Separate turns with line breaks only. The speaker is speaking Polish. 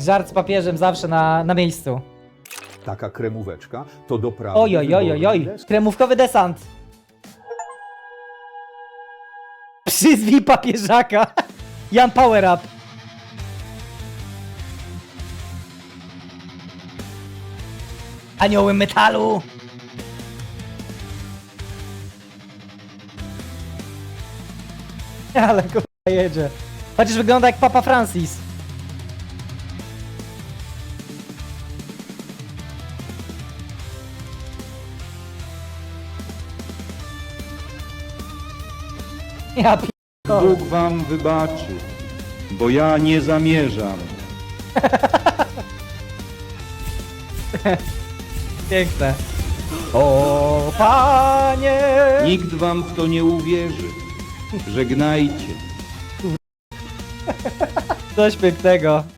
Żart z papieżem zawsze na miejscu.
Taka kremóweczka to doprawdy
Oj, oj, oj, oj, oj.
wyborny deser.
Kremówkowy desant. Przyzwij papieżaka. Jan Power Up. Anioły metalu. Ale kurwa jedzie. Chociaż wygląda jak Papa Francis. Ja p...
Bóg wam wybaczy, bo ja nie zamierzam.
Piękne. O panie!
Nikt wam w to nie uwierzy. Żegnajcie.
Coś pięknego.